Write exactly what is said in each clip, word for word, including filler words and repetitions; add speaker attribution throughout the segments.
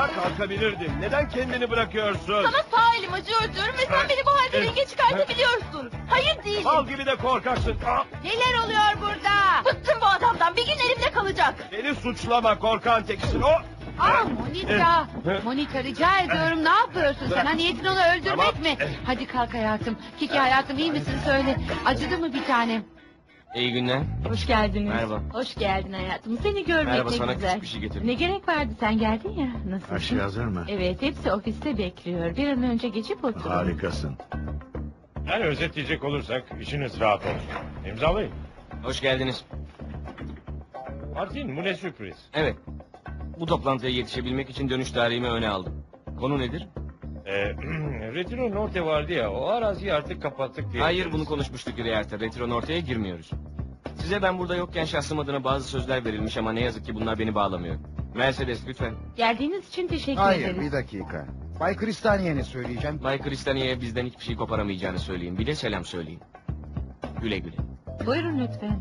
Speaker 1: Ayağa kalkabilirdin. Neden kendini bırakıyorsun?
Speaker 2: Sana sağ elim acıyor diyorum ve sen beni bu halde ringe çıkartabiliyorsun. Hayır değilim.
Speaker 1: Bal gibi de korkaksın. Aa,
Speaker 2: Neler oluyor burada? Bıktım bu adamdan. Bir gün elimde kalacak.
Speaker 1: beni suçlama, korkan teksin. O.
Speaker 3: Aa Monika.
Speaker 1: Eh.
Speaker 3: Monika rica ediyorum, ne yapıyorsun sen? Ha, niyetin onu öldürmek
Speaker 1: Tamam.
Speaker 3: mi? Hadi kalk hayatım. Kiki hayatım, iyi misin söyle. Acıdı mı bir tanem?
Speaker 4: İyi günler.
Speaker 2: Hoş geldiniz.
Speaker 4: Merhaba.
Speaker 2: Hoş geldin hayatım. Seni görmek
Speaker 4: Merhaba,
Speaker 2: ne
Speaker 4: sana
Speaker 2: güzel.
Speaker 4: küçük bir şey getirdim.
Speaker 2: Ne gerek vardı, sen geldin ya. Nasılsın?
Speaker 5: Her şey hazır mı?
Speaker 2: Evet, hepsi ofiste bekliyor. Bir an önce geçip oturun.
Speaker 5: Harikasın.
Speaker 6: Yani özetleyecek olursak işiniz rahat olsun. İmzalayın.
Speaker 4: Hoş geldiniz.
Speaker 6: Martin bu ne sürpriz.
Speaker 4: Evet. Bu toplantıya yetişebilmek için dönüş tarihimi öne aldım. Konu nedir?
Speaker 6: Ee, Retiro Norte vardı ya, o araziyi artık kapattık diye.
Speaker 4: Hayır, bunu konuşmuştuk Riyer'te. Retro'nun ortaya girmiyoruz. Size ben burada yokken şahsım adına bazı sözler verilmiş ama ne yazık ki bunlar beni bağlamıyor. Mercedes lütfen.
Speaker 2: Geldiğiniz için teşekkür
Speaker 7: Hayır,
Speaker 2: ederiz.
Speaker 7: bir dakika. Bay Kristaniye ne söyleyeceğim?
Speaker 4: Bay Kristaniye'ye bizden hiçbir şey koparamayacağını söyleyin. Bir de selam söyleyin. Güle güle.
Speaker 2: Buyurun lütfen.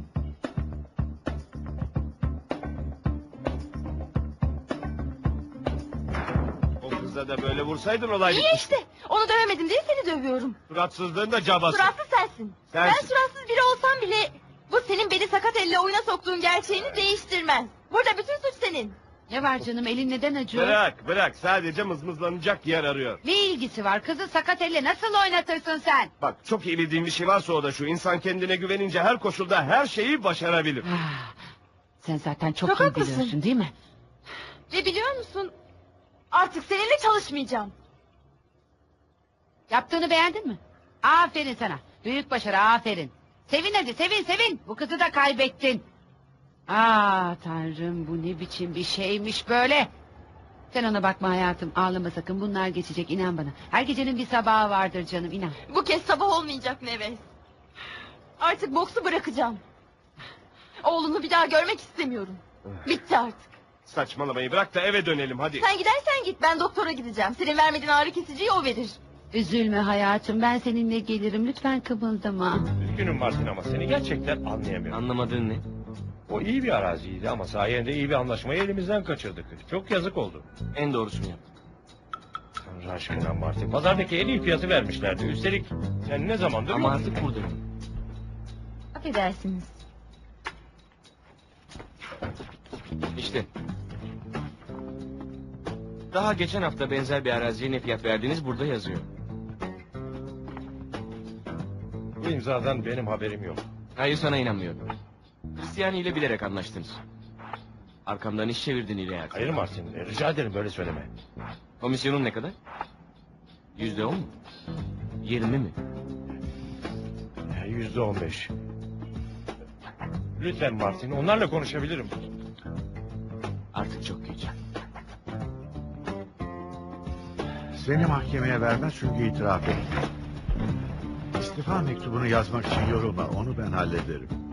Speaker 1: O kıza da böyle vursaydın olay
Speaker 2: İyi
Speaker 1: bitmişti.
Speaker 2: işte. Onu dövemedim diye seni dövüyorum.
Speaker 1: Suratsızlığın da cabası.
Speaker 2: Suratsız sensin. Ben
Speaker 1: Sensin.
Speaker 2: suratsız biri olsam bile bu senin beni sakat elle oyuna soktuğun gerçeğini değiştirmez. Burada bütün suç senin.
Speaker 3: Ne var canım, elin neden acıyor?
Speaker 1: Bırak bırak, sadece mızmızlanacak yer arıyor.
Speaker 3: Ne ilgisi var? Kızı sakat elle nasıl oynatırsın sen?
Speaker 1: Bak, çok iyi bildiğim bir şey varsa o da şu: İnsan kendine güvenince her koşulda her şeyi başarabilir.
Speaker 3: Ah, sen zaten çok,
Speaker 2: Çok
Speaker 3: iyi
Speaker 2: haklısın.
Speaker 3: biliyorsun değil mi?
Speaker 2: Ve biliyor musun? Artık seninle çalışmayacağım.
Speaker 3: Yaptığını beğendin mi? Aferin sana. Büyük başarı, aferin. Sevin hadi, sevin sevin. Bu kızı da kaybettin. Aa tanrım, bu ne biçim bir şeymiş böyle. Sen ona bakma hayatım, ağlama sakın, bunlar geçecek, inan bana. Her gecenin bir sabahı vardır canım, inan.
Speaker 2: Bu kez sabah olmayacak Neves. Artık boksu bırakacağım. Oğlunu bir daha görmek istemiyorum. Bitti artık.
Speaker 1: Saçmalamayı bırak da eve dönelim hadi.
Speaker 2: Sen gidersen git, ben doktora gideceğim. Senin vermediğin ağrı kesiciyi o verir.
Speaker 3: Üzülme hayatım, ben seninle gelirim, lütfen kımıldama.
Speaker 6: Üzgünüm Martin ama seni gerçekten anlayamıyorum.
Speaker 4: Anlamadığın ne?
Speaker 6: O iyi bir araziydi ama sayende iyi bir anlaşmayı elimizden kaçırdık. Çok yazık oldu.
Speaker 4: En doğrusunu yap.
Speaker 6: Tanrı aşkına Martin, pazardaki en iyi fiyatı vermişlerdi. Üstelik sen ne zamandır
Speaker 4: Ama
Speaker 6: yoksun.
Speaker 4: artık buradayım.
Speaker 2: Affedersiniz.
Speaker 4: İşte. Daha geçen hafta benzer bir araziye ne fiyat verdiğiniz burada yazıyor.
Speaker 6: Bu imzadan benim haberim yok.
Speaker 4: Hayır, sana inanmıyorum. Kristiyani ile bilerek anlaştınız. Arkamdan iş çevirdin İleyat.
Speaker 6: Hayır Martin, rica ederim böyle söyleme.
Speaker 4: Komisyonun ne kadar? Yüzde on mu? Yirmi mi?
Speaker 6: Yüzde on beş. Lütfen Martin, onlarla konuşabilirim.
Speaker 4: Artık çok geç.
Speaker 5: Seni mahkemeye vermez çünkü itiraf ettin. İstifa mektubunu yazmak için yorulma, onu ben hallederim.